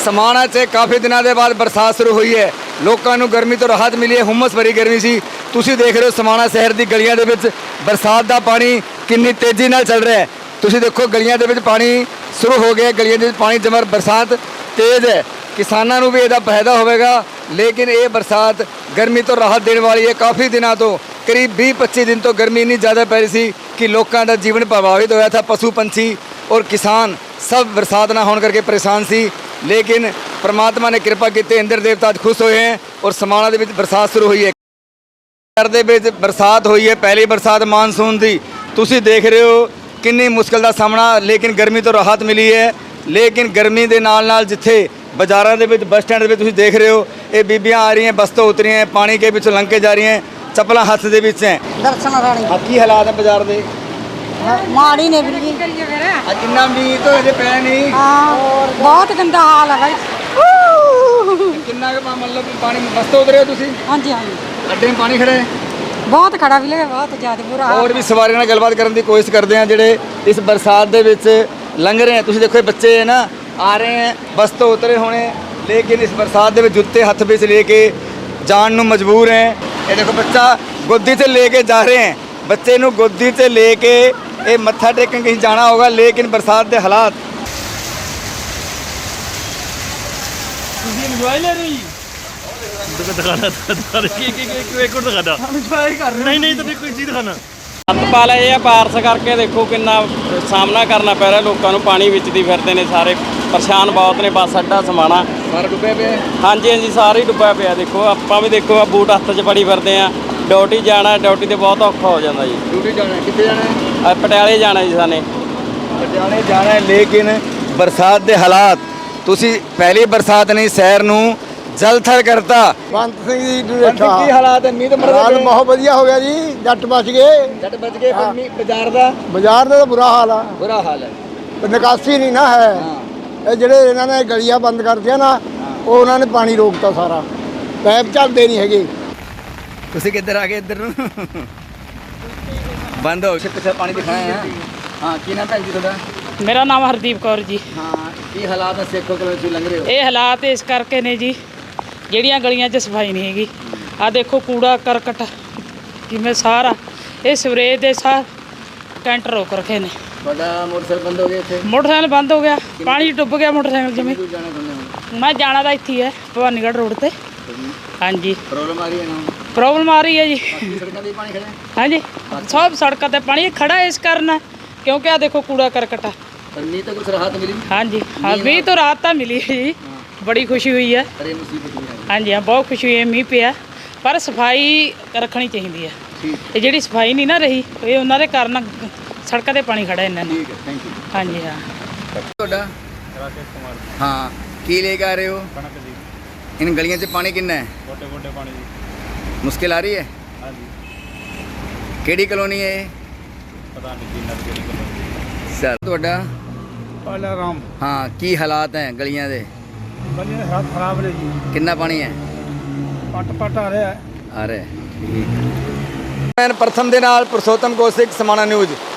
समाणा 'ਚ ਕਾਫੀ ਦਿਨਾਂ ਦੇ ਬਾਅਦ ਬਰਸਾਤ ਸ਼ੁਰੂ ਹੋਈ ਹੈ। ਲੋਕਾਂ ਨੂੰ ਗਰਮੀ ਤੋਂ ਰਾਹਤ ਮਿਲੀ ਹੈ। ਹੁਮਸ ਭਰੀ ਗਰਮੀ ਸੀ। ਤੁਸੀਂ ਦੇਖ ਰਹੇ ਹੋ समाणा शहर ਦੀ ਗਲੀਆਂ ਦੇ ਵਿੱਚ ਬਰਸਾਤ ਦਾ ਪਾਣੀ ਕਿੰਨੀ ਤੇਜ਼ੀ ਨਾਲ ਚੱਲ ਰਿਹਾ ਹੈ। ਤੁਸੀਂ ਦੇਖੋ ਗਲੀਆਂ ਦੇ ਵਿੱਚ ਪਾਣੀ ਸ਼ੁਰੂ ਹੋ ਗਿਆ। ਗਲੀਆਂ ਦੇ ਵਿੱਚ ਪਾਣੀ ਜਮਰ ਬਰਸਾਤ ਤੇਜ਼ ਹੈ। ਕਿਸਾਨਾਂ ਨੂੰ ਵੀ ਇਹਦਾ ਫਾਇਦਾ ਹੋਵੇਗਾ, ਲੇਕਿਨ ਇਹ ਬਰਸਾਤ ਗਰਮੀ ਤੋਂ ਰਾਹਤ ਦੇਣ ਵਾਲੀ ਹੈ। ਕਾਫੀ ਦਿਨਾਂ ਤੋਂ करीब 20-25 दिन तो गर्मी इन्नी ज़्यादा पै रही सी कि लोगों का जीवन प्रभावित होया था। पशु पंछी और किसान सब बरसात ना होने करके परेशान सी, लेकिन परमात्मा ने कृपा की, इंद्र देवता आज खुश हुए हैं और समाणा दे विच बरसात शुरू हुई है। शहर दे विच बरसात हुई है, पहली बरसात मानसून दी। तुसीं देख रहे हो किन्नी मुश्किल का सामना, लेकिन गर्मी तो राहत मिली है। लेकिन गर्मी के नाल नाल जिथे बाजारों के बस स्टैंड में तुसीं देख रहे हो ये बीबियां आ रही हैं, बस तो उतरी हैं, पानी के पिछों लंघ के जा रही हैं, चप्पल हथ दे विच हैं। दर्शन राणी की हालात है बाजार दे? माड़ी ने भी इन्ना मींह तो अजे पै नहीं। बहुत गंदा हाल है भाई। किन्ना मतलब पानी बस तो उतरे हो तुसीं? हाँ जी हाँ जी, अड्डे में पानी खड़े है? बहुत खड़ा भी लगे, बहुत ज़्यादा बुरा हाल। और भी सवारी नाल गलबात करने की कोशिश करते हैं जिहड़े इस बरसात दे विच लंघ रहे हैं। तुसीं देखो बच्चे है ना आ रहे हैं, बस तो उतरे होने, लेकिन इस बरसात दे विच जूते हथ विच लेके जान नूं मजबूर हैं। ये देखो बच्चा गोदी से लेके जा रहे हैं, बच्चे नूं गोदी से लेके ये मत्था टेकन कहीं जाना होगा, लेकिन बरसात के हालात ਸਤਪਾਲ ਇਹ ਬਾਰਿਸ਼ ਕਰਕੇ ਦੇਖੋ ਕਿੰਨਾ ਸਾਹਮਣਾ ਕਰਨਾ ਪੈ ਰਿਹਾ ਲੋਕਾਂ ਨੂੰ। ਪਾਣੀ ਵਿੱਚ ਦੀ ਫਿਰਦੇ ਨੇ ਸਾਰੇ, ਪਰੇਸ਼ਾਨ ਬਹੁਤ ਨੇ। ਬੱਸ ਅੱਡਾ ਸਮਾਣਾ ਸਾਰਾ ਡੁੱਬਿਆ ਪਿਆ। ਹਾਂਜੀ ਹਾਂਜੀ ਸਾਰੇ ਹੀ ਡੁੱਬਿਆ ਪਿਆ। ਦੇਖੋ ਆਪਾਂ ਵੀ ਦੇਖੋ ਆ ਬੂਟ ਹੱਥ 'ਚ ਫੜੀ ਫਿਰਦੇ ਆ। ਡਿਊਟੀ ਜਾਣਾ, ਡਿਊਟੀ ਤੇ ਬਹੁਤ ਔਖਾ ਹੋ ਜਾਂਦਾ ਜੀ। ਡਿਊਟੀ ਜਾਣਾ ਕਿੱਥੇ ਜਾਣਾ ਹੈ? ਪਟਿਆਲੇ ਜਾਣਾ ਜੀ ਸਾਨੇ। ਪਟਿਆਲੇ ਜਾਣਾ ਹੈ, ਲੇਕਿਨ ਬਰਸਾਤ ਦੇ ਹਾਲਾਤ, ਤੁਸੀਂ ਪਹਿਲੀ ਬਰਸਾਤ ਨਹੀਂ ਸ਼ਹਿਰ ਨੂੰ ਜਲਥਲ ਕਰਤਾ। ਬੰਤ ਸਿੰਘ ਜੀ ਕੀ ਹਾਲਾਤ ਹੈ? ਮੀਂਹ ਤਾਂ ਹਾਲ ਬਹੁਤ ਵਧੀਆ ਹੋ ਗਿਆ ਜੀ, ਜੱਟ ਬਚ ਗਏ। ਜੱਟ ਬਚ ਗਏ, ਪਰ ਮੀਂਹ ਬਾਜ਼ਾਰ ਦਾ ਤਾਂ ਬੁਰਾ ਹਾਲ ਆ, ਬੁਰਾ ਹਾਲ ਹੈ। ਨਿਕਾਸੀ ਨਹੀਂ ਨਾ ਹੈ। ਇਹ ਜਿਹੜੇ ਇਹਨਾਂ ਨੇ ਗਲੀਆਂ ਬੰਦ ਕਰਤੀਆਂ ਨਾ, ਉਹ ਉਹਨਾਂ ਨੇ ਪਾਣੀ ਰੋਕਤਾ ਸਾਰਾ, ਪੈਪ ਚੱਲਦੇ ਨਹੀਂ ਹੈਗੇ। ਤੁਸੀਂ ਕਿੱਧਰ ਆ ਗਏ? ਇੱਧਰ ਨੂੰ ਬੰਦ ਹੋ ਪਿੱਛੇ ਪਾਣੀ ਦਿਖਾਇਆ ਹੈ। ਹਾਂ, ਕੀ ਨਾਮ ਭੈਣ ਜੀ ਤੁਹਾਡਾ? ਮੇਰਾ ਨਾਮ ਹਰਦੀਪ ਕੌਰ ਜੀ। ਹਾਂ, ਕੀ ਹਾਲਾਤ ਹੈ ਸੇਖੋ ਕੋਲ ਤੁਸੀਂ ਲੰਘ ਰਹੇ ਹੋ? ਇਹ ਹਾਲਾਤ ਇਸ ਕਰਕੇ ਨੇ ਜੀ, ਜਿਹੜੀਆਂ ਗਲੀਆਂ 'ਚ ਸਫਾਈ ਨਹੀਂ ਹੈਗੀ। ਆ ਦੇਖੋ ਕੂੜਾ ਕਰਕਟ ਜਿਵੇਂ ਸਾਰਾ ਇਹ ਸਵਰੇਜ ਦੇ ਸਾਰ ਕੈਂਟਰ ਰੋਕ ਰੱਖੇ ਨੇ। ਤੁਹਾਡਾ ਮੋਟਰਸਾਈਕਲ ਬੰਦ ਹੋ ਗਿਆ ਇੱਥੇ? ਮੋਟਰਸਾਈਕਲ ਬੰਦ ਹੋ ਗਿਆ, ਪਾਣੀ ਡੁੱਬ ਗਿਆ ਮੋਟਰਸਾਈਕਲ ਜਿਵੇਂ। ਦੂਰ ਜਾਣਾ ਚਾਹੁੰਦੇ ਹੋ? ਮੈਂ ਜਾਣਾ ਤਾਂ ਇੱਥੇ ਹੀ ਹੈ, ਭਵਾਨੀਗੜ੍ਹ ਰੋਡ ਤੇ। ਹਾਂਜੀ, ਪ੍ਰੋਬਲਮ ਆ ਰਹੀ ਹੈ ਨਾ? ਪ੍ਰੋਬਲਮ ਆ ਰਹੀ ਹੈ ਜੀ। ਸੜਕਾਂ 'ਤੇ ਪਾਣੀ ਖੜਾ ਹੈ? ਹਾਂਜੀ, ਸਭ ਸੜਕਾਂ ਤੇ ਪਾਣੀ ਖੜਾ ਇਸ ਕਾਰਨ, ਕਿਉਂਕਿ ਆ ਦੇਖੋ ਕੂੜਾ ਕਰਕਟ ਆ। ਪਰ ਮੀਂਹ ਤਾਂ ਕੁਛ ਰਾਹਤ ਮਿਲੀ? ਹਾਂਜੀ ਹਾਂ, ਮੀਂਹ ਤੋਂ ਰਾਹਤ ਤਾਂ ਮਿਲੀ ਹੈ ਜੀ, ਬੜੀ ਖੁਸ਼ੀ ਹੋਈ ਹੈ। ਅਰੇ ਮੁਸੀਬਤ ਨਹੀਂ ਆਈ। ਹਾਂਜੀ ਹਾਂ, ਬਹੁਤ ਖੁਸ਼ੀ ਹੋਈ ਹੈ ਮੀਂਹ ਪਿਆ, ਪਰ ਸਫਾਈ ਰੱਖਣੀ ਚਾਹੀਦੀ ਹੈ। ਠੀਕ ਇਹ ਜਿਹੜੀ ਸਫਾਈ ਨਹੀਂ ਨਾ ਰਹੀ, ਇਹ ਉਹਨਾਂ ਦੇ ਕਾਰਨ ਸੜਕਾਂ ਤੇ ਪਾਣੀ ਖੜਾ ਇਹਨਾਂ ਨੇ। ਠੀਕ ਹੈ, ਥੈਂਕ ਯੂ। ਹਾਂਜੀ ਹਾਂ। ਤੁਹਾਡਾ? राकेश कुमार हाँ, की लेके आ रहे हो? कनक जी। इन गलियों से पानी कितना है? गोटे गोटे पानी जी। मुश्किल आ रही है? हाँ जी। केड़ी कॉलोनी है ये? पता नहीं जी नर केड़ी कलोनी। सर ਤੁਹਾਡਾ? ਪਾਲਾ ਰਾਮ। हाँ, की हालात हैं गलियां दे? ਗਲੀਆਂ ਦੇ ਹਾਲਾਤ ਖਰਾਬ ਨੇ ਜੀ, कितना पानी है? ਪੱਟ ਆ ਰਿਹਾ। आ रहा है। ठीक। मैं प्रथम ਦੇ ਨਾਲ ਪੁਰਸ਼ੋਤਮ ਕੌਸ਼ਿਕ, समाणा न्यूज़।